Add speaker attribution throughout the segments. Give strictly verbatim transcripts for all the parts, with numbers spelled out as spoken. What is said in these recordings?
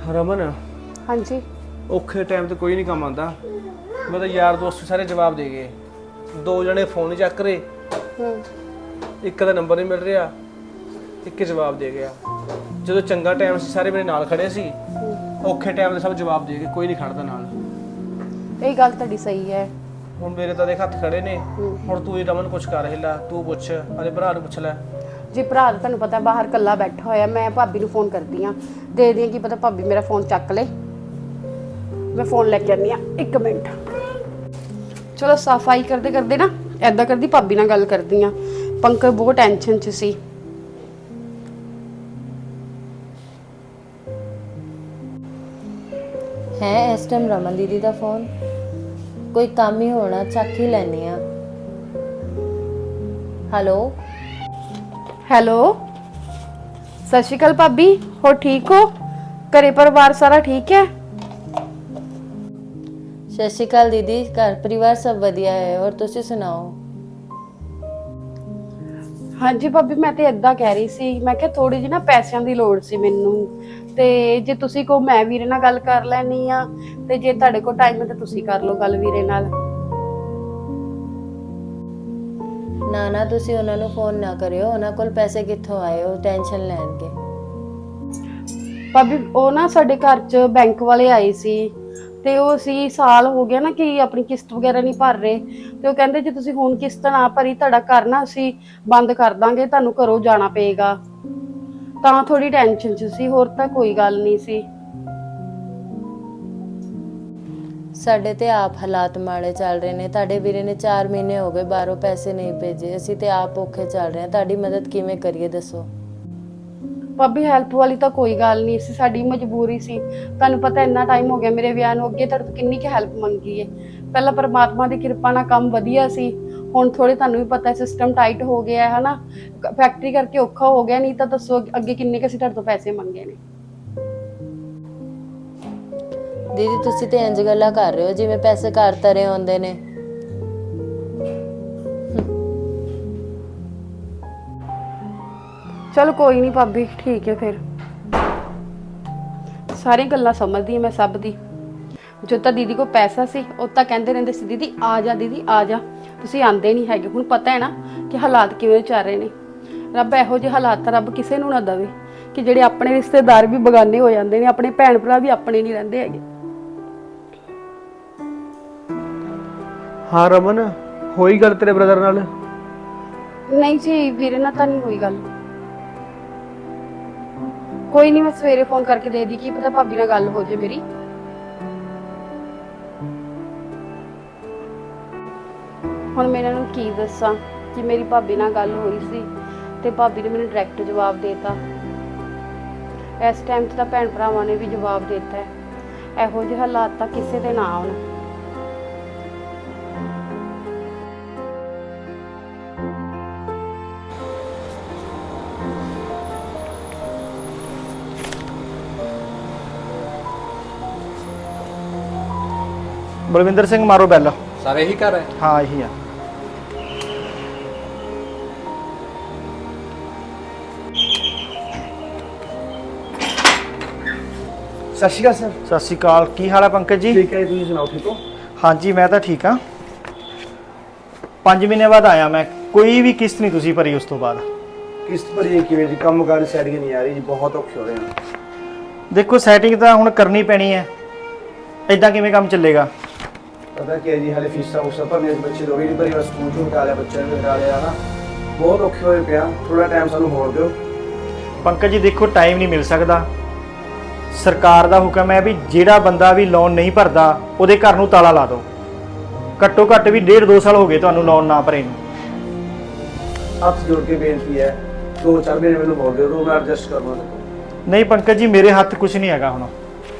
Speaker 1: रमन
Speaker 2: हाँ जी
Speaker 1: औखे टाइम तो कोई नहीं काम आता। मैं तो यार दोस्त सारे जवाब दे गए, दो जने फोन नहीं चक रहे, एक का नंबर नहीं मिल रहा, एक जवाब दे गया। जो चंगा टाइम से सारे मेरे नाल खड़े सी, औखे टाइम ते सब जवाब दे गए, कोई नहीं खड़दा नाल।
Speaker 2: ये गल तुहाडी सही है।
Speaker 1: हुण मेरे तो देख हत्थ खड़े ने, हुण तू ही रमन कुछ कर हिला, तू पुछ, अरे भरा नूं पुछ लै।
Speaker 2: जी भरा तो तुहानूं पता बाहर कल्ला बैठा होया, मैं भाभी नूं फोन करदी हाँ, देखदी हाँ की पता भाभी मेरा फोन चक ले। मैं फोन लैके आनी हाँ, एक मिनट। चलो सफाई करते करते ना ऐदा करदी भाभी नाल गल करदी हाँ। पंकज बहुत टेंशन च सी।
Speaker 3: है इस टाइम रमन दीदी का फोन, कोई काम ही होना, चक ही लैनी आ। हेलो
Speaker 2: हैलो सत श्री अकाल भाभी, हो ठीक हो? घरे परिवार सारा ठीक है?
Speaker 3: सत श्री अकाल दीदी, घर परिवार सब वधिया है, और तुसी सुनाओ?
Speaker 2: हाँ जी भाभी मैं तो इदा कह रही सी, मैं क्या थोड़ी जी ना पैसों की लोड़ सी मैनू, ते जे तुसी को मैं वीरे नाल गल कर लैनी आ, ते जे तुहाडे कोल टाइम है तो तुसी कर लो गल वीरे नाल।
Speaker 3: ना ना तुसी उन्हां नूं फोन ना करियो, उन्हां कोल पैसे कित्थों आए, ओ टेंशन लैणगे।
Speaker 2: भाभी ओ ना साडे घर च बैंक वाले आए सी, ते ओ सी साल हो गया ना कि अपनी किस्त वगैरह नहीं भर रहे, ते ओ कहंदे जे तुसी हुण किस्त ना भरी तुहाडा घर ना असीं बंद कर दांगे, तुहानूं घरों जाना पेगा। तां थोड़ी टेंशन च सी, होर तां कोई गल नहीं सी।
Speaker 3: साडे ते आप हालात माड़े चल रहे ने, तुहाडे वीरे ने चार महीने हो गए बाहरों पैसे नहीं भेजे, असीं ते आप औखे चल रहे हैं, तुहाडी मदद किवें करिए दसो?
Speaker 2: भाभी हैल्प वाली तो कोई गल नहीं सी, साडी मजबूरी सी। तुहानूं पता इन्ना टाइम हो गया मेरे विआह नूं, अगे तुहाडे तों किन्नी क हैल्प मंगी है। पहला परमात्मा दी किरपा नाल काम वधिया सी, हुण थोड़े तुहानूं भी पता है सिस्टम टाइट हो गया है ना, फैक्ट्री करके औखा हो गया, नहीं तो दसो अगे किन्ने क असीं तुहाडे तों पैसे मंगे ने।
Speaker 3: दीदी तुसी ते इंज गल्लां कर रहे हो जिवें पैसे घर तरे आउंदे ने।
Speaker 2: चलो कोई नहीं भाभी, ठीक है फिर, सारी गल्लां समझदी मैं सब दी। जो तो दीदी को पैसा सी ਉਹ ਤਾਂ ਕਹਿੰਦੇ ਰਹਿੰਦੇ ਸੀ दीदी आ जा दीदी आ जा, ਤੁਸੀਂ ਆਂਦੇ ਨਹੀਂ ਹੈਗੇ। ਹੁਣ ਪਤਾ ਹੈ ਨਾ ਕਿ ਹਾਲਾਤ ਕਿਵੇਂ ਚੱਲ ਰਹੇ ਨੇ। ਰੱਬ ਇਹੋ ਜਿਹੇ ਹਾਲਾਤ ਤਾਂ ਰੱਬ ਕਿਸੇ ਨੂੰ ਨਾ ਦੇਵੇ ਕਿ ਜਿਹੜੇ ਆਪਣੇ ਰਿਸ਼ਤੇਦਾਰ ਵੀ ਬਗਾਨੇ ਹੋ ਜਾਂਦੇ ਨੇ, ਆਪਣੇ ਭੈਣ ਭਰਾ ਵੀ ਆਪਣੇ ਨਹੀਂ ਰਹਿੰਦੇ ਹੈਗੇ।
Speaker 1: हाँ रमन होई गल तेरे ब्रदर नाल?
Speaker 2: नहीं जी वीरे ਨਾਲ ਤਾਂ ਨਹੀਂ ਹੋਈ ਗੱਲ। कोई नहीं मैं सवेरे फोन करके दे दी, की पता भाभी नाल गल हो जाए मेरी। हुण मैं इन्हां नूं की दस्सां कि मेरी भाभी नाल गल होई सी ते भाभी ने मैनूं डायरैक्ट जवाब देता। इस टाइम ते तां भैण भरावां ने भी जवाब देता है। इहो जिहे हालात तां किसे दे ना आउण।
Speaker 4: बलविंदर सिंह मारो बैल।
Speaker 5: सारे ही कर रहे हैं?
Speaker 4: हाँ यही है।
Speaker 1: सत श्री अकाल सर।
Speaker 4: सत श्री अकाल, की हाल है पंकज जी?
Speaker 1: ठीक है, तुसीं सुनाओ ठीक हो?
Speaker 4: हाँ जी मैं तो ठीक हाँ। पाँच महीने बाद आया मैं, कोई भी किस्त नहीं तुसी भरी उस तो बाद।
Speaker 1: किस्त भरी किवें जी? काम कार सैटिंग नहीं आ रही जी, बहुत औखे हो रहे हैं।
Speaker 4: देखो सैटिंग तो हुण करनी पैनी है, इदां किवें काम चलेगा?
Speaker 1: पता क्या जी, हाले फीसा फूसा भरने बच्चे लोग नहीं भरी, बस स्कूल चों हटा लिया बच्चों ने, हटा लिया ना, बहुत औखे होए पिया। थोड़ा टाइम सानूं होर दिओ।
Speaker 4: पंकज जी देखो टाइम नहीं मिल सकता, सरकार का हुक्म है भी जिहड़ा बंदा भी लोन नहीं भरदा उहदे घर नूं ताला ला दो। घट्टो घट्ट भी डेढ़ दो साल हो गए तुहानूं लोन ना भरे नूं।
Speaker 1: हथ जोड़ के बेनती है, दो चार महीने मैनूं होर दिओ, मैं एडजस्ट कर लूँगा।
Speaker 4: नहीं पंकज जी मेरे हाथ कुछ नहीं हैगा हुण,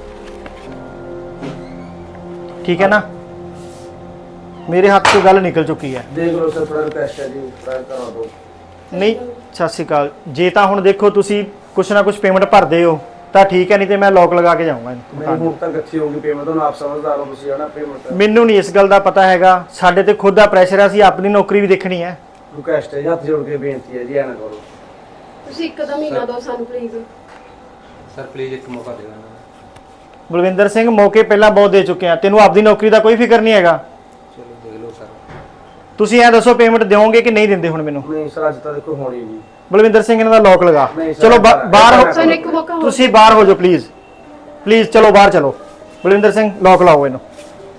Speaker 4: ठीक है ना? मेरे हाथ तो गल निकल चुकी है।
Speaker 1: देख लो सर, थोड़ा रिक्वेस्ट है जी, ट्राई करा दो।
Speaker 4: नहीं सत श्री अकाल, जे तां हुण देखो तुसी कुछ ना कुछ पेमेंट भरदे हो तां ठीक है, नहीं तो मैं लॉक लगा के जाऊँगा।
Speaker 1: मैं हुण तक अच्छी होगी पेमेंट, तो आप समझदार हो तुसी है ना पेमेंट।
Speaker 4: मैनूं नहीं इस गल का पता हैगा, साडे ते खुद दा प्रेशर है, असीं अपनी नौकरी भी देखनी है।
Speaker 1: रिक्वेस्ट है, हाथ जोड़ के बेनती है जी, ऐ ना करो।
Speaker 2: ਤੁਸੀਂ ਇੱਕ ਦਾ ਮਹੀਨਾ ਦਿਓ ਸਾਨੂੰ ਪਲੀਜ਼।
Speaker 5: सर प्लीज एक मौका देना।
Speaker 4: ਬਲਵਿੰਦਰ ਸਿੰਘ ਮੌਕੇ ਪਹਿਲਾਂ ਬਹੁਤ ਦੇ ਚੁੱਕੇ ਆ, ਤੈਨੂੰ ਆਪਦੀ ਨੌਕਰੀ ਦਾ ਕੋਈ ਫਿਕਰ ਨਹੀਂ ਹੈਗਾ।
Speaker 1: ਚਲੋ ਦੇਖ ਲਓ ਸਰ।
Speaker 4: ਤੁਸੀਂ ਐ ਦੱਸੋ ਪੇਮੈਂਟ ਦਿਓਗੇ ਕਿ ਨਹੀਂ ਦਿੰਦੇ ਹੁਣ ਮੈਨੂੰ?
Speaker 1: ਨਹੀਂ ਸਰ ਅੱਜ ਤਾਂ ਦੇਖੋ ਹੋਣੀ ਜੀ।
Speaker 4: ਬਲਵਿੰਦਰ ਸਿੰਘ ਇਹਨਾਂ ਦਾ ਲੋਕ ਲਗਾ।
Speaker 1: ਨਹੀਂ sir,
Speaker 4: ਚਲੋ ਬਾ- ਬਾਹਰ ਹੋ
Speaker 2: ਸਾਨੂੰ ਇੱਕ ਮੌਕਾ ਹੋਰ
Speaker 4: ਤੁਸੀਂ ਬਾਹਰ ਹੋ ਜਾਓ ਪਲੀਜ਼ ਪਲੀਜ਼ ਚਲੋ ਬਾਹਰ ਚਲੋ। ਬਲਵਿੰਦਰ ਸਿੰਘ ਲੋਕ ਲਾਓ ਇਹਨੂੰ।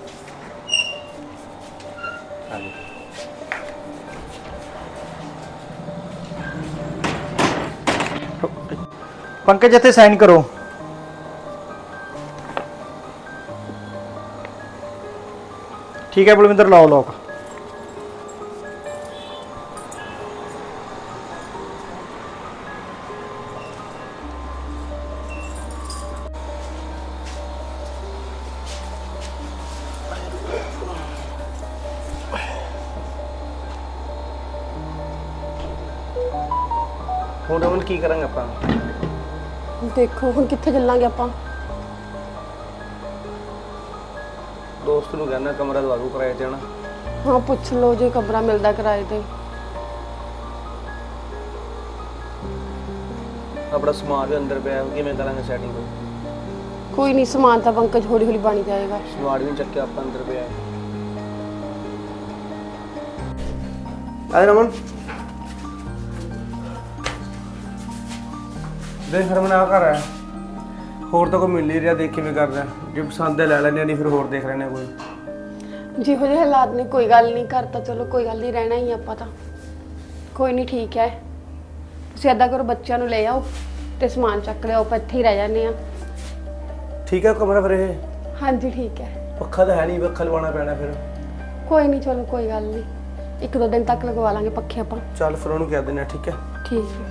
Speaker 4: ਪੰਕਜ ਇੱਥੇ ਸਾਈਨ ਕਰੋ। ਠੀਕ ਹੈ ਬਲਵਿੰਦਰ ਲਾਓ ਲੋਕ।
Speaker 1: ਹੁਣ ਰਮਨ ਕੀ ਕਰਾਂਗੇ ਆਪਾਂ?
Speaker 2: ਦੇਖੋ ਹੁਣ ਕਿੱਥੇ ਚੱਲਾਂਗੇ ਆਪਾਂ।
Speaker 1: ਦੋਸਤ ਨੂੰ ਕਹਿੰਦਾ ਕਮਰਾ ਦਵਾ ਦੂ ਕਿਰਾਏ ਤੇ ਹਨਾ।
Speaker 2: ਹਾਂ ਪੁੱਛ ਲਓ ਜੇ ਕਮਰਾ ਮਿਲਦਾ ਕਿਰਾਏ ਤੇ।
Speaker 1: ਆਪਣਾ ਸਮਾਨ ਵੀ ਅੰਦਰ ਪਿਆ, ਕਿਵੇਂ ਕਰਾਂਗੇ ਸੈਟਿੰਗ?
Speaker 2: ਕੋਈ ਨਹੀਂ, ਸਮਾਨ ਤਾਂ ਪੰਕਜ ਹੌਲੀ ਹੌਲੀ ਬਣ ਜਾਏਗਾ।
Speaker 1: ਸਮਾਨ ਵੀ ਨੀ ਚੱਕਿਆ ਆਪਾਂ, ਅੰਦਰ ਪਿਆ ਆ ਰਮਨ। ਦੇਖ ਰਮਨ ਆ ਘਰ ਹੈ, ਹੋਰ ਤਾਂ ਕੋਈ ਮਿਲ ਨਹੀਂ ਰਿਹਾ। ਦੇਖ ਕਿਵੇਂ ਕਰਦਾ, ਜੇ ਪਸੰਦ ਹੈ ਲੈ ਲੈਣੇ, ਨਹੀਂ ਫਿਰ ਹੋਰ ਦੇਖ ਲੈਣੇ ਕੋਈ।
Speaker 2: ਜਿਹੋ ਜਿਹੇ ਹਾਲਾਤ ਨੇ ਕੋਈ ਗੱਲ ਨਹੀਂ, ਕਰਤਾ ਚਲੋ ਕੋਈ ਗੱਲ ਨਹੀਂ, ਰਹਿਣਾ ਹੀ ਆਪਾਂ ਤਾਂ। ਕੋਈ ਨਹੀਂ ਠੀਕ ਹੈ, ਤੁਸੀਂ ਏਦਾਂ ਕਰੋ ਬੱਚਿਆਂ ਨੂੰ ਲੈ ਆਓ ਤੇ ਸਮਾਨ ਚੱਕ ਲਿਆਓ, ਆਪਾਂ ਇੱਥੇ ਹੀ ਰਹਿ ਜਾਂਦੇ ਆ।
Speaker 1: ਠੀਕ ਹੈ ਕਮਰਾ ਫਿਰ ਇਹ?
Speaker 2: ਹਾਂਜੀ ਠੀਕ ਹੈ।
Speaker 1: ਪੱਖਾ ਤਾਂ ਹੈ ਨਹੀਂ, ਪੱਖਾ ਲਵਾਉਣਾ ਪੈਣਾ ਫਿਰ।
Speaker 2: ਕੋਈ ਨਹੀਂ ਚਲੋ ਕੋਈ ਗੱਲ ਨਹੀਂ, ਇੱਕ ਦੋ ਦਿਨ ਤੱਕ ਲਗਵਾ ਲਾਂਗੇ ਪੱਖੇ ਆਪਾਂ।
Speaker 1: ਚੱਲ ਫਿਰ ਉਹਨੂੰ ਕਹਿ ਦਿੰਦੇ ਆ। ਠੀਕ ਹੈ
Speaker 2: ਠੀਕ ਹੈ।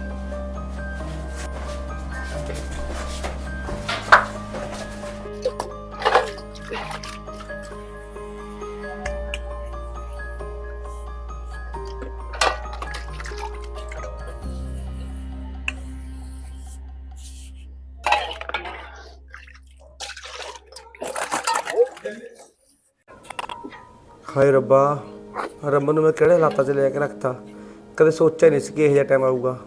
Speaker 1: ਹਾਏ ਰੱਬਾ, ਰਮਨ ਨੂੰ ਮੈਂ ਕਿਹੜੇ ਹਾਲਾਤਾਂ 'ਚ ਲੈ ਕੇ ਰੱਖਤਾ। ਕਦੇ ਸੋਚਿਆ ਨਹੀਂ ਸੀ ਕਿ ਇਹੋ ਜਿਹਾ ਟਾਈਮ ਆਊਗਾ।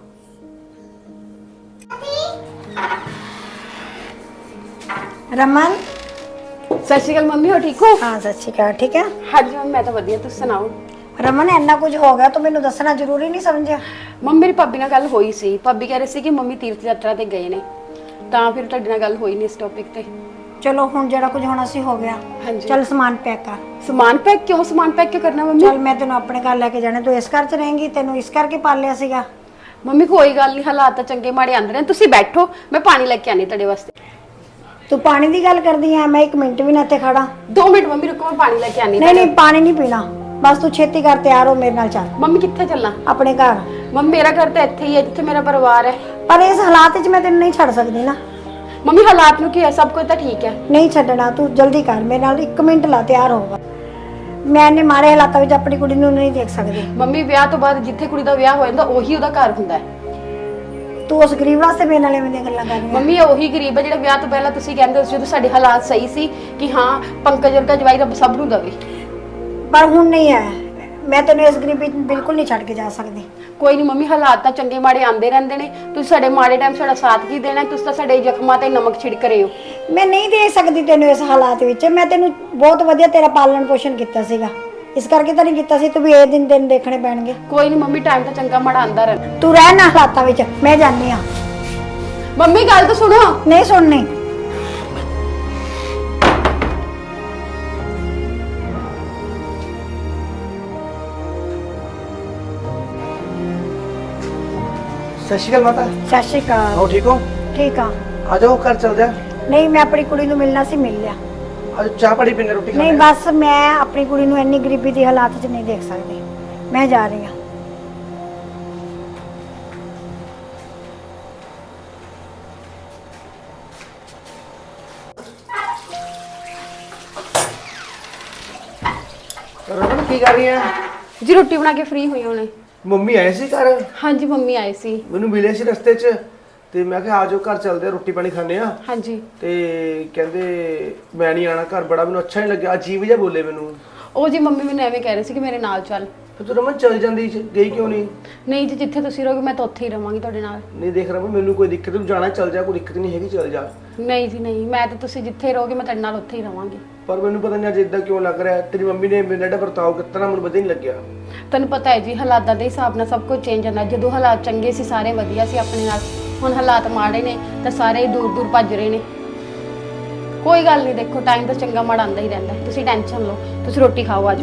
Speaker 5: रमन।
Speaker 2: ਸਤਿ ਸ਼੍ਰੀ ਅਕਾਲ ਮੰਮੀ, ਹੋ ਠੀਕ ਹੋ?
Speaker 5: हाँ सत श्रीकाल, ठीक है।
Speaker 2: ਹਾਂਜੀ ਮੰਮੀ ਮੈਂ ਤਾਂ ਵਧੀਆ, ਤੁਸੀਂ ਸੁਣਾਓ?
Speaker 5: रमन इन्ना कुछ हो गया तो मैनू दसना जरूरी नहीं समझिया?
Speaker 2: ਮੰਮੀ ਮੇਰੀ ਭਾਬੀ ਨਾਲ ਗੱਲ ਹੋਈ ਸੀ। ਭਾਬੀ ਕਹਿ ਰਹੇ ਸੀ ਕਿ ਮੰਮੀ ਤੀਰਥ ਯਾਤਰਾ ਤੇ ਗਏ ਨੇ, ਤਾਂ ਫਿਰ ਤੁਹਾਡੇ ਨਾਲ ਗੱਲ ਹੋਈ ਨਹੀਂ ਇਸ ਟੌਪਿਕ ਤੇ।
Speaker 5: चलो हुण जेड़ा कुछ होना सी हो गया।
Speaker 2: हाँ जी।
Speaker 5: चल समान पैक कर।
Speaker 2: ਸਮਾਨ ਪੈਕ ਕਿਉਂ? ਸਮਾਨ ਪੈਕ ਕਿਉਂ ਕਰਨਾ ਮੰਮੀ?
Speaker 5: चल मैं तेन अपने घर लैके जाने, तू इस घर च रहेंगी, तेनू इस करके पालिया सीगा।
Speaker 2: ਮੰਮੀ ਕੋਈ ਗੱਲ ਨਹੀਂ, ਹਾਲਾਤ ਤਾਂ ਚੰਗੇ ਮਾੜੇ ਆਂਦੇ ਨੇ, ਤੁਸੀਂ ਬੈਠੋ, ਮੈਂ ਪਾਣੀ ਲੈ ਕੇ ਆਨੀ ਤੁਹਾਡੇ ਵਾਸਤੇ।
Speaker 5: तू पानी की गल करदी है, मैं एक मिनट भी ना इत्थे खड़ा।
Speaker 2: ਦੋ ਮਿੰਟ ਮੰਮੀ ਰੁਕੋ, ਮੈਂ ਪਾਣੀ ਲੈ ਕੇ ਆਨੀ।
Speaker 5: नहीं नहीं पानी नहीं पीना, बस तू छेती कर, तैयार हो मेरे नाल चल
Speaker 2: ਮੰਮੀ ਕਿੱਥੇ ਚੱਲਾਂ?
Speaker 5: अपने घर।
Speaker 2: ਮੰਮੀ ਮੇਰਾ ਘਰ ਤਾਂ ਇੱਥੇ ਹੀ ਹੈ ਜਿੱਥੇ ਮੇਰਾ ਪਰਿਵਾਰ ਹੈ।
Speaker 5: पर इस हालात च मैं तेनू नहीं छड़ सकदी ना।
Speaker 2: ਮੰਮੀ ਹਾਲਾਤ ਨੂੰ ਕੀ ਹੈ, ਸਭ ਕੁਝ ਤਾਂ ਠੀਕ ਹੈ।
Speaker 5: नहीं छड्डना, तू जल्दी कर, मेरे नाल एक मिनट ला, तैयार होगा। मैं इन्ने माड़े हालातां विच अपनी कुड़ी नू नहीं देख सकदी।
Speaker 2: ਮੰਮੀ ਵਿਆਹ ਤੋਂ ਬਾਅਦ ਜਿੱਥੇ ਕੁੜੀ ਦਾ ਵਿਆਹ ਹੋ ਜਾਂਦਾ ਉਹੀ ਉਹਦਾ ਘਰ ਹੁੰਦਾ ਹੈ।
Speaker 5: तू उस गरीब वास्ते मेरे नाल इवें दी गल्लां कर रही है।
Speaker 2: ਮੰਮੀ ਇਹ ਉਹੀ ਗਰੀਬ ਹੈ ਜਿਹੜਾ ਵਿਆਹ ਤੋਂ ਪਹਿਲਾਂ ਤੁਸੀਂ ਕਹਿੰਦੇ ਸੀ ਜਦੋਂ ਸਾਡੇ ਹਾਲਾਤ ਸਹੀ ਸੀ ਕਿ ਹਾਂ ਪੰਕਜ ਵਰਗਾ ਜਵਾਈ ਰੱਬ ਸਭ ਨੂੰ ਦੇਵੇ।
Speaker 5: पर हुण नहीं है, मैं तेनू इस गरीबी च बिल्कुल नहीं छड्ड के जा सकदी।
Speaker 2: ਕੋਈ ਨਹੀਂ ਮੰਮੀ, ਹਾਲਾਤ ਤਾਂ ਚੰਗੇ ਮਾੜੇ ਆਂਦੇ ਰਹਿੰਦੇ ਨੇ, ਤੁਸੀਂ ਸਾਡੇ ਮਾੜੇ ਟਾਈਮ ਸਾਡਾ ਸਾਥ ਕੀ ਦੇਣਾ? ਤੁਸੀਂ ਤਾਂ ਸਾਡੇ ਜ਼ਖਮਾਂ ਤੇ ਨਮਕ ਛਿੜਕ ਰਹੇ ਹੋ।
Speaker 5: मैं नहीं दे सकदी तेनू इस हालात विच। मैं तेनू बहुत वधिया तेरा पालन पोषण किया सीगा, इस करके तो नहीं किया सी तू भी ये दिन दिन देखने पैणगे।
Speaker 2: ਕੋਈ ਨਹੀਂ ਮੰਮੀ, ਟਾਈਮ ਤਾਂ ਚੰਗਾ ਮਾੜਾ ਆਂਦਾ ਰਹਿੰਦਾ।
Speaker 5: तू रह ना हालातां विच, मैं जानी हां।
Speaker 2: ਮੰਮੀ ਗੱਲ ਤਾਂ ਸੁਣੋ।
Speaker 5: नहीं सुननी।
Speaker 1: ਸਤਿ ਸ਼੍ਰੀ ਅਕਾਲ ਮਾਤਾ।
Speaker 5: सत श्री अकाल।
Speaker 1: ਹੋ ਠੀਕ ਹੋ?
Speaker 5: ठीक हाँ।
Speaker 1: ਆ ਜਾਓ ਘਰ ਚੱਲਦੇ ਆ।
Speaker 5: नहीं मैं अपनी कुड़ी नू मिलना सी, मिल लिया।
Speaker 1: ਅੱਜ ਚਾਹ ਪਾਣੀ ਪੀਣੇ, ਰੋਟੀ
Speaker 5: नहीं
Speaker 1: ਖਾਣੇ।
Speaker 5: बस मैं अपनी कुड़ी नू इन्नी गरीबी दी हालात च नहीं देख सकदी, मैं जा रही हां।
Speaker 1: ਰਮਨ ਕੀ ਕਰ ਰਹੀ ਹੈ?
Speaker 2: ਜੀ ਰੋਟੀ ਬਣਾ ਕੇ ਫ੍ਰੀ ਹੋਈ ਹੁਣੇ।
Speaker 1: ਮੰਮੀ ਆਏ ਸੀ ਘਰ,
Speaker 2: ਹਾਂਜੀ ਮੰਮੀ ਆਏ ਸੀ।
Speaker 1: ਮੈਨੂੰ ਮਿਲੇ ਸੀ ਰਸਤੇ 'ਚ, ਤੇ ਮੈਂ ਕਿਹਾ ਆ ਜਾਓ ਘਰ ਚੱਲਦੇ ਆ, ਰੋਟੀ ਪਾਣੀ ਖਾਣੇ ਆ।
Speaker 2: ਹਾਂਜੀ।
Speaker 1: ਤੇ ਕਹਿੰਦੇ ਮੈਂ ਨਹੀਂ ਆਣਾ ਘਰ, ਬੜਾ ਮੈਨੂੰ ਅੱਛਾ ਨਹੀਂ ਲੱਗਿਆ, ਅਜੀਬ ਜਿਹਾ ਬੋਲੇ ਮੈਨੂੰ।
Speaker 2: ਉਹ ਜੀ ਮੰਮੀ ਮੈਨੂੰ ਐਵੇਂ ਕਹਿ ਰਹੇ ਸੀ ਕਿ ਮੇਰੇ ਨਾਲ ਚੱਲ।
Speaker 1: ਫਿਰ ਤੂੰ ਰਮਨ ਚੱਲ ਜਾਂਦੀ, ਗਈ ਕਿਉਂ ਨਹੀਂ?
Speaker 2: ਨਹੀਂ ਜੀ, ਜਿੱਥੇ ਤੁਸੀਂ ਰਹੋਗੇ ਮੈਂ ਤਾਂ ਉੱਥੇ ਹੀ ਰਵਾਂਗੀ ਤੁਹਾਡੇ ਨਾਲ।
Speaker 1: ਨਹੀਂ ਦੇਖ ਰਮਨ, ਮੈਨੂੰ ਕੋਈ ਦਿੱਕਤ ਨਹੀਂ, ਜਾਣਾ ਚੱਲ ਜਾ, ਕੋਈ ਦਿੱਕਤ ਨਹੀਂ ਹੈਗੀ, ਚੱਲ ਜਾ।
Speaker 2: ਨਹੀਂ ਜੀ ਨਹੀਂ, ਮੈਂ ਤਾਂ ਤੁਸੀਂ ਜਿੱਥੇ ਰਹੋਗੇ ਮੈਂ ਤੁਹਾਡੇ ਨਾਲ ਉੱਥੇ ਹੀ ਰਵਾਂਗੀ।
Speaker 1: ਪਰ ਮੈਨੂੰ ਪਤਾ ਨਹੀਂ ਅੱਜ ਇਦਾਂ ਕਿਉਂ ਲੱਗ ਰਿਹਾ। ਤੇਰੀ ਮੰਮੀ ਨੇ ਮੇਰੇ ਨਾਲ ਵਰਤਾਓ ਕੀਤਾ ਨਾ, ਮੈਨੂੰ ਪਤਾ ਹੀ ਨਹੀਂ ਲੱਗਿਆ।
Speaker 2: ਤੁਹਾਨੂੰ ਪਤਾ ਹੈ ਜੀ ਹਾਲਾਤਾਂ ਦੇ ਹਿਸਾਬ ਨਾਲ ਸਭ ਕੁਝ ਚੇਂਜ ਹੁੰਦਾ। ਜਦੋਂ ਹਾਲਾਤ ਚੰਗੇ ਸੀ ਸਾਰੇ ਵਧੀਆ ਸੀ ਆਪਣੇ ਨਾਲ, ਹੁਣ ਹਾਲਾਤ ਮਾੜੇ ਨੇ ਤਾਂ ਸਾਰੇ ਦੂਰ ਦੂਰ ਭੱਜ ਰਹੇ ਨੇ। ਕੋਈ ਗੱਲ ਨਹੀਂ, ਦੇਖੋ ਟਾਈਮ ਤਾਂ ਚੰਗਾ ਮਾੜਾ ਆਉਂਦਾ ਹੀ ਰਹਿੰਦਾ, ਤੁਸੀਂ ਟੈਨਸ਼ਨ ਲਓ। ਤੁਸੀਂ ਰੋਟੀ ਖਾਓ, ਆਜੋ।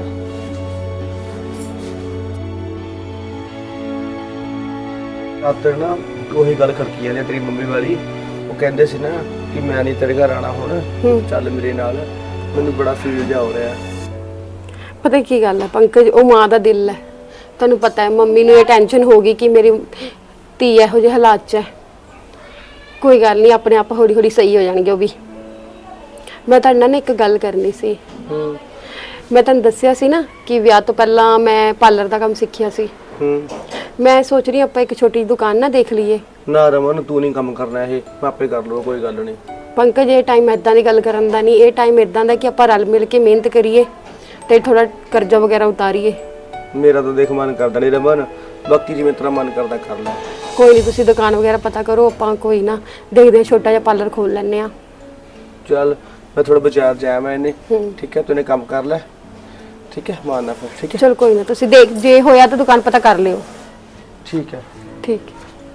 Speaker 1: ਰਾਤ ਨਾ ਉਹੀ ਗੱਲ ਖੜਕੀ ਜਾਂਦੀ ਤੇਰੀ ਮੰਮੀ ਵਾਲੀ। ਉਹ ਕਹਿੰਦੇ ਸੀ ਨਾ ਕਿ ਮੈਂ ਨਹੀਂ ਤੇਰੇ ਘਰ ਆਣਾ ਹੁਣ, ਚੱਲ ਮੇਰੇ ਨਾਲ। ਮੈਨੂੰ ਬੜਾ ਫੀਲ ਜਾ ਹੋ ਰਿਹਾ।
Speaker 2: ਪਤਾ ਕੀ ਗੱਲ ਹੈ ਪੰਕਜ, ਉਹ ਮਾਂ ਦਾ ਦਿਲ ਹੈ। ਤੁਹਾਨੂੰ ਪਤਾ ਹੈ ਮੰਮੀ ਨੂੰ ਇਹ ਟੈਨਸ਼ਨ ਹੋ ਗਈ ਕਿ ਮੇਰੀ ਧੀ ਇਹੋ ਜਿਹੇ ਹਾਲਾਤ 'ਚ ਹੈ। ਕੋਈ ਗੱਲ ਨਹੀਂ, ਆਪਣੇ ਆਪ ਹੌਲੀ ਹੌਲੀ ਸਹੀ ਹੋ ਜਾਣਗੇ ਉਹ ਵੀ। ਮੈਂ ਤੁਹਾਡੇ ਨਾਲ ਨਾ ਇੱਕ ਗੱਲ ਕਰਨੀ ਸੀ। ਮੈਂ ਤੁਹਾਨੂੰ ਦੱਸਿਆ ਸੀ ਨਾ ਕਿ ਵਿਆਹ ਤੋਂ ਪਹਿਲਾਂ ਮੈਂ ਪਾਰਲਰ ਦਾ ਕੰਮ ਸਿੱਖਿਆ ਸੀ।
Speaker 1: ਹੂੰ
Speaker 2: ਮੈਂ ਸੋਚ ਰਹੀ ਆਪਾਂ ਇੱਕ ਛੋਟੀ ਜਿਹੀ ਦੁਕਾਨ ਨਾ ਦੇਖ ਲਈਏ।
Speaker 1: ਨਾ ਰਮਨ, ਤੂੰ ਨਹੀਂ ਕੰਮ ਕਰਨਾ, ਇਹ ਮੈਂ ਆਪੇ ਕਰ ਲਊ, ਕੋਈ ਗੱਲ ਨਹੀਂ।
Speaker 2: ਪੰਕਜ, ਇਹ ਟਾਈਮ ਇਦਾਂ ਦੀ ਗੱਲ ਕਰਨ ਦਾ ਨਹੀਂ, ਇਹ ਟਾਈਮ ਇਦਾਂ ਦਾ ਕਿ ਆਪਾਂ ਰਲ ਮਿਲ ਕੇ ਮਿਹਨਤ ਕਰੀਏ ਤੇ ਥੋੜਾ ਕਰਜ਼ਾ ਵਗੈਰਾ ਉਤਾਰੀਏ।
Speaker 1: ਮੇਰਾ ਤਾਂ ਦੇਖ ਮਨ ਕਰਦਾ ਨਹੀਂ ਰਮਨ, ਬਾਕੀ ਜਿਵੇਂ ਤੇਰਾ ਮਨ ਕਰਦਾ ਕਰ ਲੈ।
Speaker 2: ਕੋਈ ਨਹੀਂ, ਤੁਸੀਂ ਦੁਕਾਨ ਵਗੈਰਾ ਪਤਾ ਕਰੋ, ਆਪਾਂ ਕੋਈ ਨਾ ਦੇਖਦੇ ਹਾਂ, ਛੋਟਾ ਜਿਹਾ ਪਾਰਲਰ ਖੋਲ ਲੈਂਦੇ ਆ।
Speaker 1: ਚੱਲ ਮੈਂ ਥੋੜਾ ਬਾਜ਼ਾਰ ਜਾਇਆ ਮੈਂ ਇਹਨੇ, ਠੀਕ ਹੈ? ਤੂੰ ਨੇ ਕੰਮ ਕਰ ਲੈ, ਠੀਕ ਹੈ? ਮਾਰਨਾ ਫਿਰ, ਠੀਕ ਹੈ?
Speaker 2: ਚਲ ਕੋਈ ਨਾ, ਤੁਸੀਂ ਦੇਖ ਜੇ ਹੋਇਆ ਤਾਂ ਦੁਕਾਨ ਪਤਾ ਕਰ ਲਿਓ।
Speaker 1: ਠੀਕ ਹੈ।
Speaker 2: ਠੀਕ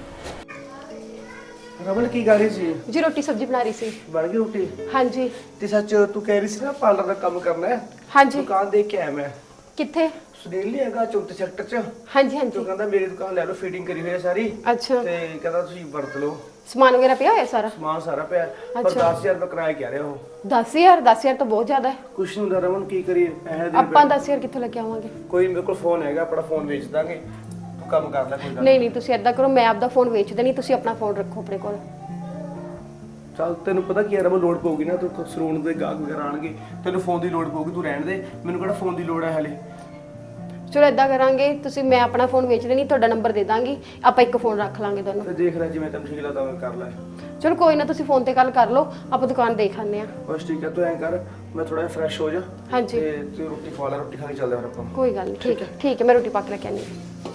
Speaker 1: ਰਮਨ ਕੀ ਕਰ ਰਹੀ ਸੀ?
Speaker 2: ਜੀ, ਰੋਟੀ ਸਬਜ਼ੀ ਬਣਾ ਰਹੀ ਸੀ।
Speaker 1: ਬਣ ਗਈ ਰੋਟੀ?
Speaker 2: ਹਾਂਜੀ
Speaker 1: ਤੇ ਸੱਚ ਤੂੰ ਕਹਿ ਰਹੀ ਸੀ ਨਾ ਪਾਰਲਰ ਦਾ ਕੰਮ ਕਰਨਾ ਹੈ?
Speaker 2: ਹਾਂਜੀ।
Speaker 1: ਦੁਕਾਨ ਦੇਖ ਕੇ ਆਇਆ ਮੈਂ।
Speaker 2: ਕਿੱਥੇ?
Speaker 1: ਸੁਨੀਲ ਨਹੀਂ ਹੈਗਾ ਚੌਥੇ ਸੈਕਟਰ 'ਚ?
Speaker 2: ਹਾਂਜੀ ਹਾਂਜੀ।
Speaker 1: ਤੂੰ ਕਹਿੰਦਾ ਮੇਰੀ ਦੁਕਾਨ ਲੈ ਲਓ, ਫੀਡਿੰਗ ਕਰੀ ਹੋਈ ਹੈ ਸਾਰੀ,
Speaker 2: ਅੱਛਾ,
Speaker 1: ਤੇ ਕਹਿੰਦਾ ਤੁਸੀਂ ਵਰਤ ਲਓ।
Speaker 2: ਸਮਾਨ ਵਗੈਰਾ ਪਿਆ ਹੋਇਆ ਸਾਰਾ?
Speaker 1: ਸਮਾਨ ਸਾਰਾ ਪਿਆ, ਪਰ ਦਸ ਹਜ਼ਾਰ ਰੁਪਏ ਕਿਰਾਇਆ ਕਹਿ ਰਿਹਾ ਉਹ।
Speaker 2: ਦਸ ਹਜ਼ਾਰ? ਦਸ ਹਜ਼ਾਰ ਤਾਂ ਬਹੁਤ ਜ਼ਿਆਦਾ ਹੈ।
Speaker 1: ਕੁਛ ਨਹੀਂ ਹੁੰਦਾ ਰਮਨ, ਕੀ ਕਰੀਏ ਪੈਸੇ ਦੇ।
Speaker 2: ਆਪਾਂ ਦਸ ਹਜ਼ਾਰ ਕਿੱਥੋਂ ਲੈ ਕੇ ਆਵਾਂਗੇ?
Speaker 1: ਕੋਈ ਮੇਰੇ ਕੋਲ ਫੋਨ ਹੈਗਾ, ਆਪਣਾ ਫੋਨ ਵੇਚ ਦਾਂਗੇ, ਤੂੰ ਕੰਮ ਕਰ ਲੈ, ਕੋਈ ਗੱਲ
Speaker 2: ਨਹੀਂ ਨਹੀਂ, ਤੁਸੀਂ ਏਦਾਂ ਕਰੋ, ਮੈਂ ਆਪਦਾ ਫੋਨ ਵੇਚ ਦੇਣੀ, ਤੁਸੀਂ ਆਪਣਾ ਫੋਨ ਰੱਖੋ ਆਪਣੇ ਕੋਲ।
Speaker 1: ਚੱਲ ਤੈਨੂੰ ਪਤਾ ਕੀ ਹੈ ਰਮਨ, ਲੋੜ ਪਊਗੀ ਨਾ, ਤੂੰ ਸਲੂਨ ਦੇ ਗਾਹਕ ਵਗੈਰਾ ਆਣਗੇ, ਤੈਨੂੰ ਫੋਨ ਦੀ ਲੋੜ ਪਊਗੀ, ਤੂੰ ਰਹਿਣ ਦੇ, ਮੈਨੂੰ ਕਿਹੜਾ ਫੋਨ ਦੀ ਲੋੜ ਹੈ ਹਲੇ।
Speaker 2: ਚਲੋ ਏਦਾਂ ਕਰਾਂਗੇ, ਤੁਸੀਂ ਮੈਂ ਆਪਣਾ ਫੋਨ ਵੇਚ ਦੇਣੀ, ਤੁਹਾਡਾ ਨੰਬਰ ਦੇ ਦਾਂਗੀ, ਆਪਾਂ ਇੱਕ ਫੋਨ ਰੱਖ ਲਾਂਗੇ ਦੋਨੋਂ।
Speaker 1: ਤੇ ਦੇਖ ਲੈ ਜਿਵੇਂ ਤੈਨੂੰ ਠੀਕ ਲੱਗਦਾ ਉਵੇਂ ਕਰ ਲੈ।
Speaker 2: ਚਲੋ ਕੋਈ ਨਾ, ਤੁਸੀਂ ਫੋਨ ਤੇ ਗੱਲ ਕਰ ਲਓ, ਆਪਾਂ ਦੁਕਾਨ ਦੇਖ ਆਉਂਦੇ ਆ।
Speaker 1: ਬਸ ਠੀਕ ਹੈ, ਤੂੰ ਐਂ ਕਰ, ਮੈਂ ਥੋੜਾ ਜਿਹਾ ਫਰੈਸ਼ ਹੋ ਜਾ
Speaker 2: ਹਾਂਜੀ,
Speaker 1: ਤੇ ਤੂੰ ਰੋਟੀ ਖਾ ਲੈ, ਰੋਟੀ ਖਾ ਕੇ ਚੱਲਦੇ ਹਾਂ ਫਿਰ ਆਪਾਂ।
Speaker 2: ਕੋਈ ਗੱਲ ਨਹੀਂ, ਠੀਕ ਹੈ ਠੀਕ ਹੈ, ਮੈਂ ਰੋਟੀ ਪਾ ਕੇ ਲੈ ਕੇ ਆਉਂਦੀ ਹਾਂ।